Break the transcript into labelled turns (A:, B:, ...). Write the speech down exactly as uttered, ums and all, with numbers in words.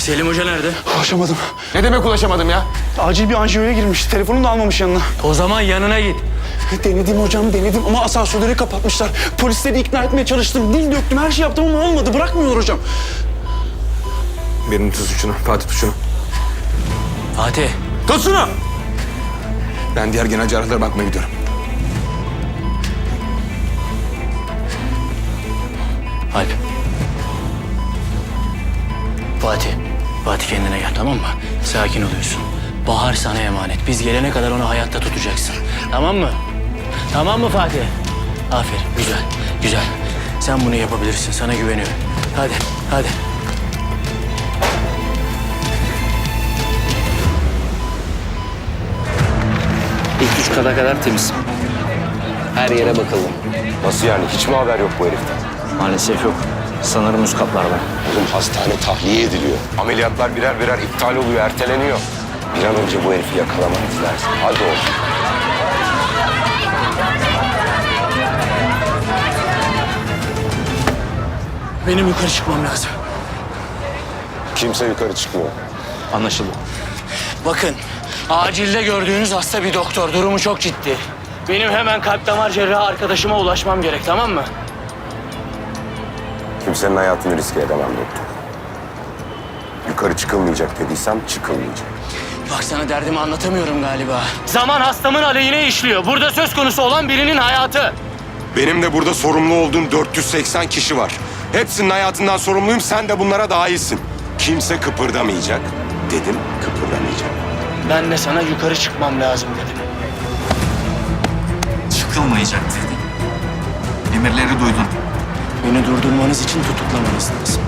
A: Selim Hoca nerede?
B: Ulaşamadım.
C: Ne demek ulaşamadım ya?
B: Acil bir anjiyoya girmiş. Telefonunu da almamış yanına.
A: O zaman yanına git.
B: Denedim hocam, denedim ama asansörleri kapatmışlar. Polisleri ikna etmeye çalıştım. Dil döktüm, her şey yaptım ama olmadı. Bırakmıyorlar hocam.
C: Birini tut şunu. Fatih tut şunu.
A: Fatih.
C: Tut şunu! Ben diğer genel cerrahlara bakmaya gidiyorum.
A: Alp. Fatih. Fatih kendine gel, tamam mı? Sakin oluyorsun. Bahar sana emanet. Biz gelene kadar onu hayatta tutacaksın. Tamam mı? Tamam mı Fatih? Aferin. Güzel. Güzel. Sen bunu yapabilirsin. Sana güveniyorum. Hadi. Hadi.
D: İlk üç kata kadar temiz. Her yere bakalım.
E: Nasıl yani? Hiç mi haber yok bu heriften?
D: Maalesef yok. Sanırım üst katlarda.
E: Oğlum hastane tahliye ediliyor. Ameliyatlar birer birer iptal oluyor, erteleniyor. Bir an önce bu herifi yakalamanız lazım. Hadi oğlum.
A: Benim yukarı çıkmam lazım.
E: Kimse yukarı çıkmıyor.
D: Anlaşıldı.
A: Bakın, acilde gördüğünüz hasta bir doktor. Durumu çok ciddi. Benim hemen kalp damar cerrahı arkadaşıma ulaşmam gerek, tamam mı?
E: Kimsenin hayatını riske edemem doktor. Yukarı çıkılmayacak dediysem çıkılmayacak.
A: Bak sana derdimi anlatamıyorum galiba. Zaman hastamın aleyhine işliyor. Burada söz konusu olan birinin hayatı.
E: Benim de burada sorumlu olduğum dört yüz seksen kişi var. Hepsinin hayatından sorumluyum, sen de bunlara dahilsin. Kimse kıpırdamayacak dedim, kıpırdamayacak.
A: Ben de sana yukarı çıkmam lazım dedim.
F: Çıkılmayacak dedin. Emirleri duydun.
A: Beni durdurmanız için tutuklamanız lazım.